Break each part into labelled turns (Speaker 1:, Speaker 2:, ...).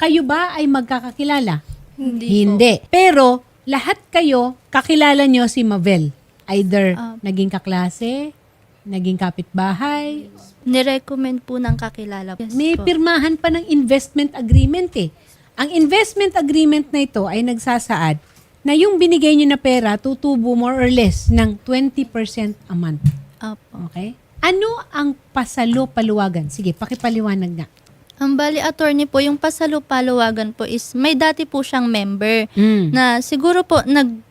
Speaker 1: kayo ba ay magkakakilala?
Speaker 2: Hindi po.
Speaker 1: Pero lahat kayo, kakilala nyo si Mavel. Either naging kaklase, naging kapitbahay.
Speaker 2: Nirecommend po ng kakilala. Yes
Speaker 1: May
Speaker 2: po.
Speaker 1: pirmahan pa ng investment agreement eh. Ang investment agreement na ito ay nagsasaad na yung binigay nyo na pera tutubo more or less ng 20% a month.
Speaker 2: Opo.
Speaker 1: Okay? Ano ang pasalo-paluwagan? Sige, pakipaliwanag nga.
Speaker 2: Ang bali attorney po, yung pasalupaluwagan po is may dati po siyang member na siguro po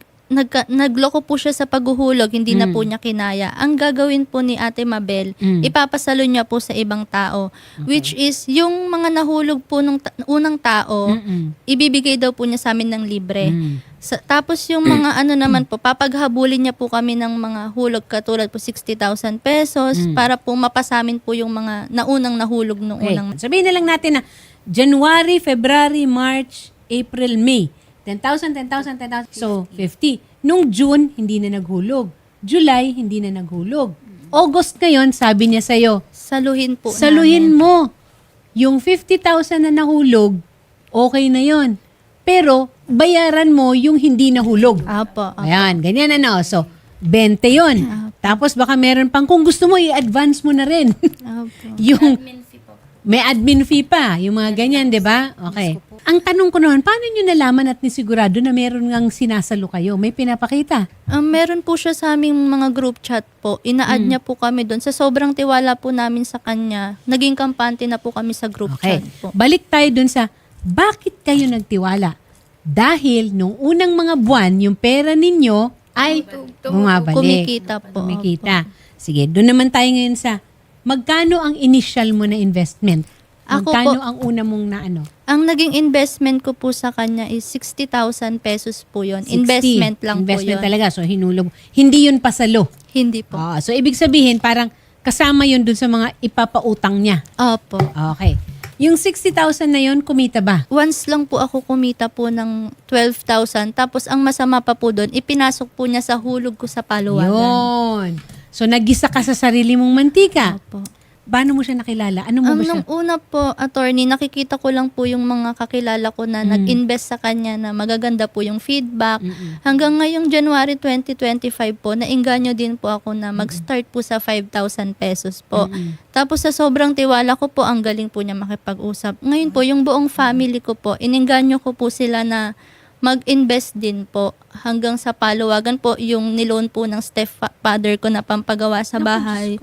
Speaker 2: nagloko po siya sa paghuhulog, hindi na po niya kinaya. Ang gagawin po ni Ate Mabel, ipapasalo niya po sa ibang tao. Which is, yung mga nahulog po nung unang tao, ibibigay daw po niya sa amin ng libre. Tapos yung mga ano naman po, papaghabulin niya po kami ng mga hulog katulad po 60,000 pesos para po mapasamin po yung mga naunang nahulog nung
Speaker 1: Okay.
Speaker 2: unang.
Speaker 1: Sabihin na lang natin na January, February, March, April, May. 10,000, 10,000, 10,000. So, 50. Nung June, hindi na naghulog. July, hindi na naghulog. August ngayon, sabi niya sa'yo,
Speaker 2: Saluhin po
Speaker 1: saluhin
Speaker 2: namin.
Speaker 1: mo. Yung 50,000 na nahulog, okay na yon. Pero, bayaran mo yung hindi nahulog.
Speaker 2: Apo.
Speaker 1: Ayan, ganyan ano. So, 20 yon. Tapos baka meron pang, kung gusto mo, i-advance mo na rin.
Speaker 2: Apo.
Speaker 1: Yung, may admin fee pa, yung mga ganyan, di ba? Okay. Ang tanong ko naman, paano nyo nalaman at nisigurado na meron ngang sinasalo kayo? May pinapakita?
Speaker 2: Meron po siya sa aming mga group chat po. Ina-add niya po kami doon. Sa sobrang tiwala po namin sa kanya, naging kampante na po kami sa group
Speaker 1: Okay.
Speaker 2: chat po.
Speaker 1: Balik tayo dun sa, bakit kayo nagtiwala? Dahil nung unang mga buwan, yung pera ninyo ay bumabalik.
Speaker 2: Kumikita po.
Speaker 1: Kumikita. Sige, doon naman tayo ngayon sa, magkano ang initial mo na investment?
Speaker 2: Ako
Speaker 1: Magkano
Speaker 2: po-
Speaker 1: ang una mong na ano?
Speaker 2: Ang naging investment ko po sa kanya is 60,000 pesos po yun.
Speaker 1: 60.
Speaker 2: Investment lang
Speaker 1: Investment
Speaker 2: po yun.
Speaker 1: talaga. So, hinulog. Hindi yun pasalo.
Speaker 2: Hindi po.
Speaker 1: So, ibig sabihin, parang kasama yun dun sa mga ipapautang niya.
Speaker 2: Opo.
Speaker 1: Okay. Yung 60,000 na yun, kumita ba?
Speaker 2: Once lang po ako kumita po ng 12,000. Tapos ang masama pa po doon, ipinasok po niya sa hulog ko sa paluwagan.
Speaker 1: Yun. So, nagisa ka sa sarili mong mantika.
Speaker 2: Opo.
Speaker 1: Paano mo siya nakilala? Ano mo ba siya?
Speaker 2: Nung una po, attorney, nakikita ko lang po yung mga kakilala ko na nag-invest sa kanya na magaganda po yung feedback. Hanggang ngayong January 2025 po, nainganyo din po ako na mag-start po sa 5,000 pesos po. Tapos sa sobrang tiwala ko po, ang galing po niya makipag-usap. Ngayon po, yung buong family ko po, ininganyo ko po sila na mag-invest din po hanggang sa paluwagan po yung niloan po ng stepfather ko na pampagawa sa bahay.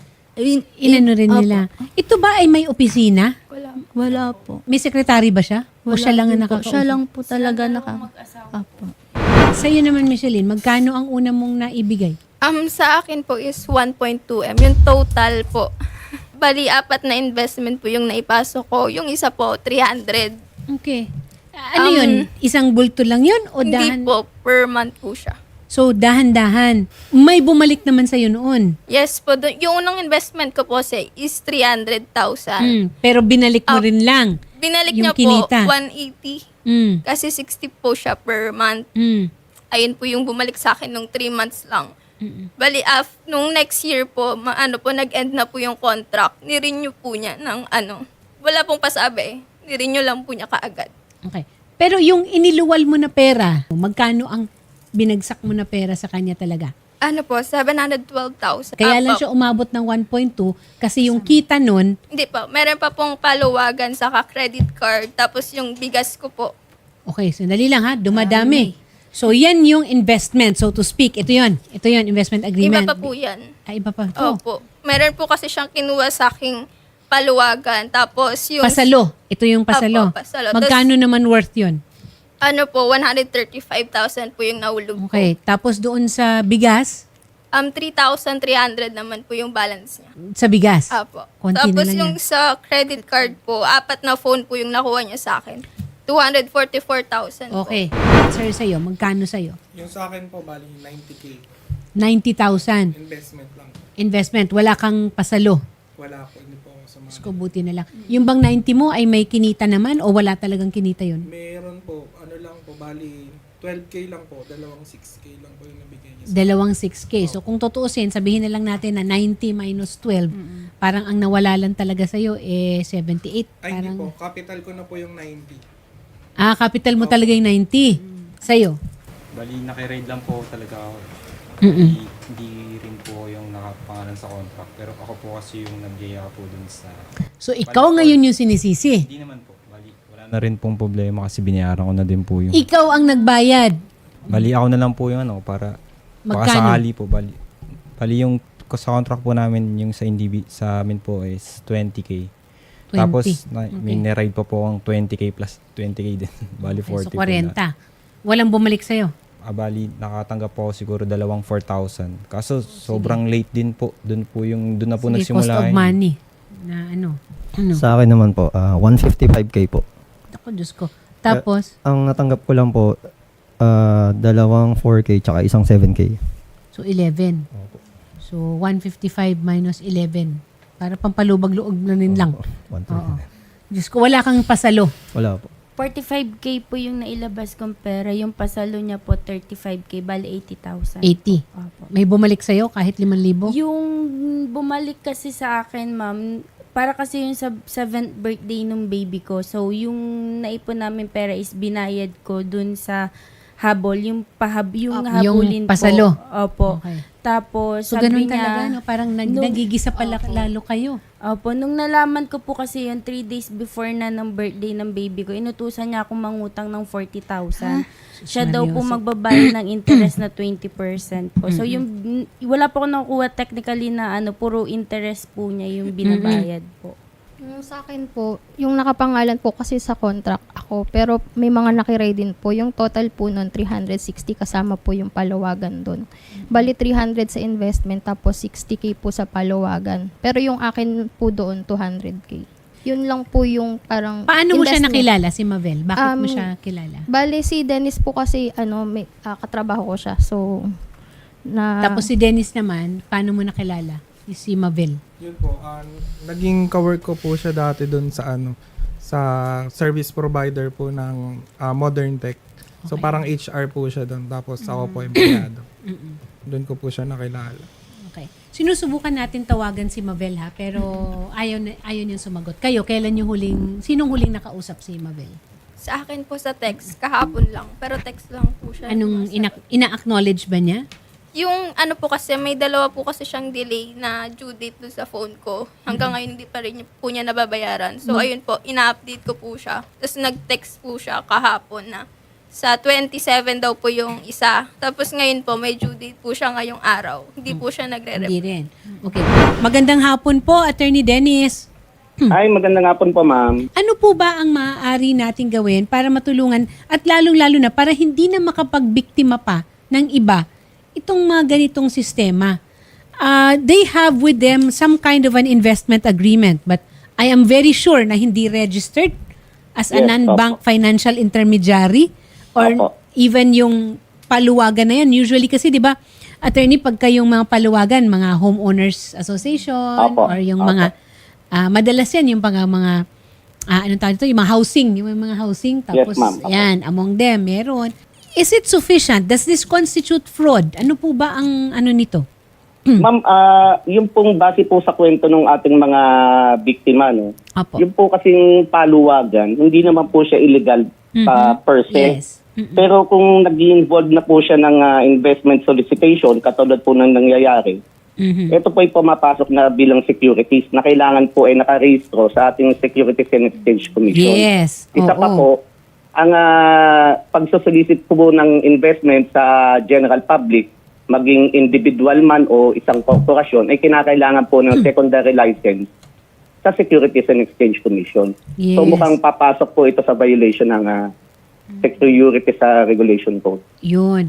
Speaker 1: Inano rin nila. Ito ba ay may opisina?
Speaker 2: Wala po.
Speaker 1: May sekretary ba siya? O siya lang ang
Speaker 2: din po.
Speaker 1: nakakausap?
Speaker 2: Siya lang po talaga Apo.
Speaker 1: Sa'yo naman, Micheline, magkano ang una mong naibigay?
Speaker 3: Sa akin po is 1.2M. Yung total po. Bali, 4 na investment po yung naipasok ko. Yung isa po, 300.
Speaker 1: Okay. Ano yun? Isang bulto lang yun? O
Speaker 3: Hindi
Speaker 1: dahan?
Speaker 3: po, per month po siya.
Speaker 1: So, dahan-dahan. May bumalik naman sa'yo noon.
Speaker 3: Yes po, yung unang investment ko po is 300,000.
Speaker 1: Pero binalik mo rin lang.
Speaker 3: Binalik
Speaker 1: yung
Speaker 3: niya
Speaker 1: kinita.
Speaker 3: po 180.
Speaker 1: Mm.
Speaker 3: Kasi 60 po siya per month.
Speaker 1: Mm.
Speaker 3: Ayun po yung bumalik sa akin nung 3 months lang. Bali, nung next year po, nag-end na po yung contract. Nirenew po niya ng wala pong pasabi. Nirenew lang po niya kaagad.
Speaker 1: Okay. Pero yung iniluwal mo na pera, magkano ang binagsak mo na pera sa kanya talaga?
Speaker 3: 712,000.
Speaker 1: Kaya lang siya umabot ng 1.2 kasi yung kita nun,
Speaker 3: Hindi po, meron pa pong paluwagan saka credit card. Tapos yung bigas ko po.
Speaker 1: okay, sandali lang ha, dumadami. So yan yung investment, so to speak. Ito yun, investment agreement.
Speaker 3: Iba pa po yan.
Speaker 1: Ay, iba pa. Oh,
Speaker 3: Opo. Meron po kasi siyang kinuha sa aking paluwagan. Tapos yung...
Speaker 1: pasalo. Ito yung pasalo.
Speaker 3: Apo, pasalo.
Speaker 1: Magkano naman worth yun?
Speaker 3: 135,000 po yung nahulog ko.
Speaker 1: Okay, tapos doon sa bigas,
Speaker 3: 3,300 naman po yung balance niya.
Speaker 1: sa bigas.
Speaker 3: Apo.
Speaker 1: Konti na
Speaker 3: Tapos
Speaker 1: lang
Speaker 3: yung
Speaker 1: yan.
Speaker 3: sa credit card po, 4 na phone po yung nakuha niya sa akin. 244,000 po.
Speaker 1: Okay. Sir, sa'yo, magkano sa'yo?
Speaker 4: Yung sa akin po, bali 90K.
Speaker 1: 90,000
Speaker 4: Investment lang po.
Speaker 1: investment. Wala kang pasalo.
Speaker 4: Wala po, hindi po ako sa
Speaker 1: Diyos ko, buti na lang. Yung bang 90 mo ay may kinita naman o wala talagang kinita yun?
Speaker 4: Meron po, ano lang po, bali 12K lang po, dalawang 6K lang po yung nabigay niya.
Speaker 1: Dalawang 6K. So kung tutuusin, sabihin na lang natin na 90 minus 12, parang ang nawala lang talaga sa'yo 78.
Speaker 4: Ay,
Speaker 1: Parang,
Speaker 4: hindi po. Capital ko na po yung 90.
Speaker 1: capital mo talaga yung 90. Sa'yo.
Speaker 5: Bali, nakiraid lang po talaga ako. Hindi rin po yung nakapangalan sa contract. Pero ako po kasi yung nagyaya po dun sa...
Speaker 1: So ikaw ngayon yung sinisisi.
Speaker 5: Hindi naman po. Bali, wala na rin pong problema kasi binayaran ko na din po yung...
Speaker 1: Ikaw ang nagbayad.
Speaker 5: Bali, ako na lang po yung para... Baka
Speaker 1: Magkano?
Speaker 5: sakali po. Bali yung sa contract po namin, yung sa amin po is 20K.
Speaker 1: 20.
Speaker 5: Tapos,
Speaker 1: Okay.
Speaker 5: may niride pa po ang 20K plus 20K din. Bali,
Speaker 1: Okay, so
Speaker 5: 40 po na.
Speaker 1: 40. Walang bumalik sa'yo.
Speaker 5: Bali, nakatanggap po ako siguro dalawang 4,000. Kaso, sobrang late din po. Doon na po
Speaker 1: Sige, cost
Speaker 5: nagsimula.
Speaker 1: of
Speaker 5: yun.
Speaker 1: money. Na ano?
Speaker 6: Sa akin naman po, 155K po.
Speaker 1: Ako, Diyos ko. Tapos,
Speaker 6: Ang natanggap ko lang po, dalawang 4K tsaka isang 7K.
Speaker 1: so 11. So 155 minus 11. Para pampalubag-luog na rin lang.
Speaker 6: 155.
Speaker 1: Oo. Diyos ko, wala kang pasalo.
Speaker 6: Wala po.
Speaker 7: 45K po yung nailabas kong pera. Yung pasalo niya po, 35K. Bali, 80,000.
Speaker 1: 80.
Speaker 7: Opo.
Speaker 1: May bumalik sa'yo kahit 5,000?
Speaker 7: Yung bumalik kasi sa akin, ma'am, para kasi yung sa 7th birthday ng baby ko. So, yung naipon namin pera is binayad ko dun sa habol. Yung
Speaker 1: Yung
Speaker 7: habulin
Speaker 1: pasalo.
Speaker 7: po. Opo.
Speaker 1: Okay.
Speaker 7: Tapos,
Speaker 1: So,
Speaker 7: sabi
Speaker 1: ganun
Speaker 7: niya,
Speaker 1: talaga, no? Parang
Speaker 7: nung-
Speaker 1: nagigisa pala
Speaker 7: Opo.
Speaker 1: lalo kayo.
Speaker 7: Opo, nung nalaman ko po kasi yung 3 days before na ng birthday ng baby ko, inutusan niya akong mangutang ng 40,000. Siya daw po
Speaker 1: Seryoso.
Speaker 7: magbabayad ng interest na 20% po. So yung wala po ako nakukuha technically na puro interest po niya yung binabayad po.
Speaker 8: Yung sa akin po, yung nakapangalan po kasi sa contract ako, pero may mga nakiride din po. Yung total po nun, 360 kasama po yung palawagan doon. Bali 300 sa investment, tapos 60K po sa palawagan. Pero yung akin po doon, 200K. Yun lang po yung parang
Speaker 1: Paano mo siya
Speaker 8: investment.
Speaker 1: nakilala, si Mavel? Bakit mo
Speaker 8: Um,
Speaker 1: siya kilala?
Speaker 8: Bali si Dennis po kasi, may, katrabaho ko siya. So,
Speaker 1: Tapos si Dennis naman, paano mo nakilala? Si Mavel.
Speaker 4: Yun po, naging kawork ko po siya dati doon sa sa service provider po ng Modern Tech. So
Speaker 1: Okay.
Speaker 4: parang HR po siya doon, tapos ako po empleyado. Doon ko po siya nakilala.
Speaker 1: Okay. Sinusubukan natin tawagan si Mavel ha, pero ayaw niyang sumagot. Kayo, sinong huling nakausap si Mavel?
Speaker 3: Sa akin po sa text, kahapon lang. Pero text lang po siya.
Speaker 1: Anong ina-acknowledge ba niya?
Speaker 3: Yung po kasi, may dalawa po kasi siyang delay na due date doon sa phone ko. Hanggang ngayon hindi pa rin po niya nababayaran. So ayun po, ina-update ko po siya. Tapos nag-text po siya kahapon na sa 27 daw po yung isa. Tapos ngayon po, may due date po siya ngayong araw. Hindi po siya
Speaker 1: Hindi
Speaker 3: nagre-reply.
Speaker 1: rin. Okay. Magandang hapon po, Attorney Dennis.
Speaker 9: Ay, magandang hapon po, ma'am.
Speaker 1: Ano po ba ang maaari nating gawin para matulungan at lalong-lalo na para hindi na makapagbiktima pa ng iba itong mga ganitong sistema? They have with them some kind of an investment agreement, but I am very sure na hindi registered as a
Speaker 9: Yes,
Speaker 1: non-bank financial intermediary or
Speaker 9: Opo.
Speaker 1: even yung paluwagan na yan. Usually kasi, di ba, attorney, pagka yung mga paluwagan, mga homeowners association
Speaker 9: Opo.
Speaker 1: or yung
Speaker 9: Opo.
Speaker 1: mga, madalas yan, yung mga anong tawag ito, yung mga housing, tapos
Speaker 9: ma'am. Opo.
Speaker 1: yan, among them, meron. Is it sufficient? Does this constitute fraud? Ano po ba ang nito?
Speaker 9: Ma'am, yung pong base po sa kwento ng ating mga biktima, no?
Speaker 1: Opo.
Speaker 9: Yung po kasing paluwagan, hindi naman po siya illegal per se.
Speaker 1: Yes.
Speaker 9: Pero kung nag-involve na po siya ng investment solicitation, katulad po ng nangyayari, ito po ay pumapasok na bilang securities na kailangan po ay nakarehistro sa ating Securities and Exchange Commission.
Speaker 1: Yes.
Speaker 9: Isa pa
Speaker 1: Oo.
Speaker 9: po, ang pagsosolicit po ng investment sa general public, maging individual man o isang korporasyon, ay kinakailangan po ng secondary license sa Securities and Exchange Commission.
Speaker 1: Yes.
Speaker 9: So mukhang papasok po ito sa violation ng security sa regulation code.
Speaker 1: Yun.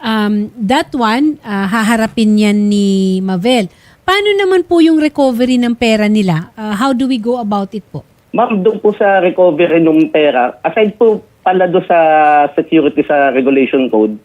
Speaker 1: That one, haharapin yan ni Mavel. Paano naman po yung recovery ng pera nila? How do we go about it po?
Speaker 9: Ma'am, doon po sa recovery ng pera, aside po pala doon sa security sa regulation code,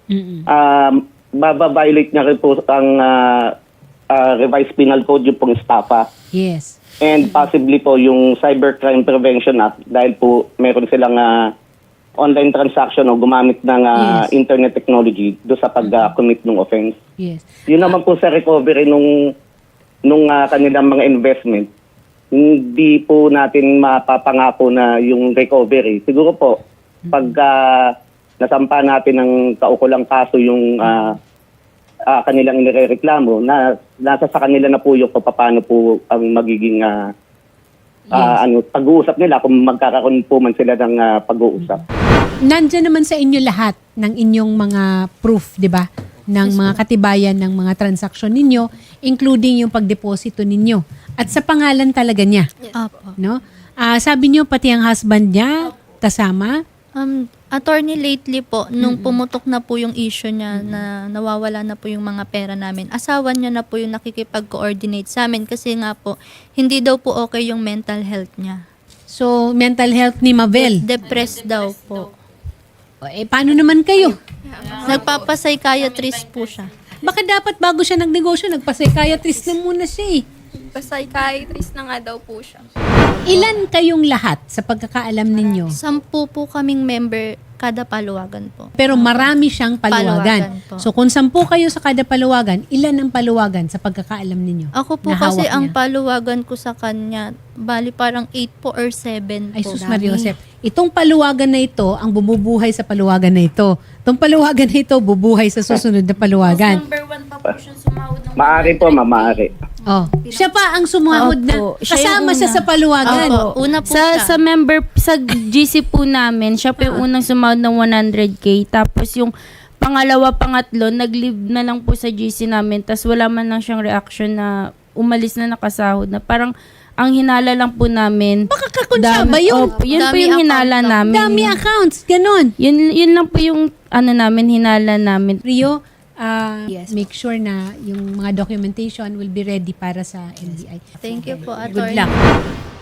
Speaker 9: mababiolate niya rin po ang revised penal code, yung pong estafa.
Speaker 1: Yes.
Speaker 9: And possibly po yung Cybercrime Prevention Act dahil po meron silang online transaction o gumamit ng
Speaker 1: Yes.
Speaker 9: internet technology do sa pag-commit ng offense.
Speaker 1: Yes.
Speaker 9: Yun naman po sa recovery nung kanilang mga investment, hindi po natin mapapangako na yung recovery. Siguro po, pag nasampa natin ng kaukulang kaso yung kanilang inireklamo, nasa sa kanila na po yung paano po ang magiging pag-uusap nila kung magkakaroon po man sila ng pag-uusap.
Speaker 1: Nandyan naman sa inyo lahat ng inyong mga proof, di ba? Ng mga katibayan ng mga transaksyon ninyo, including yung pagdeposito ninyo. At sa pangalan talaga niya.
Speaker 2: Opo.
Speaker 1: No? Sabi niyo pati ang husband niya kasama.
Speaker 2: Attorney, lately po, nung pumutok na po yung issue niya na nawawala na po yung mga pera namin, asawa niya na po yung nakikipag-coordinate sa amin kasi nga po, hindi daw po okay yung mental health niya.
Speaker 1: So, mental health ni Mabel.
Speaker 2: Depressed daw po.
Speaker 1: Paano naman kayo?
Speaker 2: Nagpapapsychiatrist po siya.
Speaker 1: Baka dapat bago siya nagnegosyo, nagpa-psychiatrist na muna siya eh.
Speaker 3: Psychiatrist na nga daw po siya.
Speaker 1: Ilan kayong lahat sa pagkakaalam ninyo?
Speaker 2: 10 po kaming member kada paluwagan po.
Speaker 1: Pero marami siyang paluwagan.
Speaker 2: Paluwagan po.
Speaker 1: So kung 10 kayo sa kada paluwagan, ilan ang paluwagan sa pagkakaalam ninyo?
Speaker 2: Ako po
Speaker 1: na
Speaker 2: kasi
Speaker 1: hawak
Speaker 2: ang
Speaker 1: niya?
Speaker 2: paluwagan ko sa kanya, bali parang 8 po or 7
Speaker 1: Ay,
Speaker 2: po.
Speaker 1: sus Maria Josep. Itong paluwagan na ito, ang bumubuhay sa paluwagan na ito. Itong paluwagan na ito, bubuhay sa susunod na paluwagan.
Speaker 7: Number 1 pa po siya sumahod ng
Speaker 9: Maaari po, ma'am, maaari.
Speaker 1: Oh. Siya pa ang sumahod na.
Speaker 7: Opo, siya
Speaker 1: Kasama
Speaker 7: yung
Speaker 1: siya
Speaker 7: una.
Speaker 1: sa paluwagan.
Speaker 2: Opo, una po
Speaker 7: sa
Speaker 2: siya.
Speaker 7: member sa GC po namin, siya po yung unang sumahod ng 100K. Tapos yung pangalawa, pangatlo, nag-leave na lang po sa GC namin. Tapos wala man lang siyang reaction na umalis na nakasahod na. Parang ang hinala lang po namin.
Speaker 1: Makakakonsyaba yun.
Speaker 7: Opo, yun po
Speaker 2: Dami
Speaker 7: yung
Speaker 2: account
Speaker 7: hinala
Speaker 2: lang.
Speaker 7: namin.
Speaker 1: Dami accounts. Ganon.
Speaker 7: Yun lang po yung hinala namin.
Speaker 1: Rio, make sure na yung mga documentation will be ready para sa NBI.
Speaker 2: Thank you po,
Speaker 1: Good
Speaker 2: attorney.
Speaker 1: luck.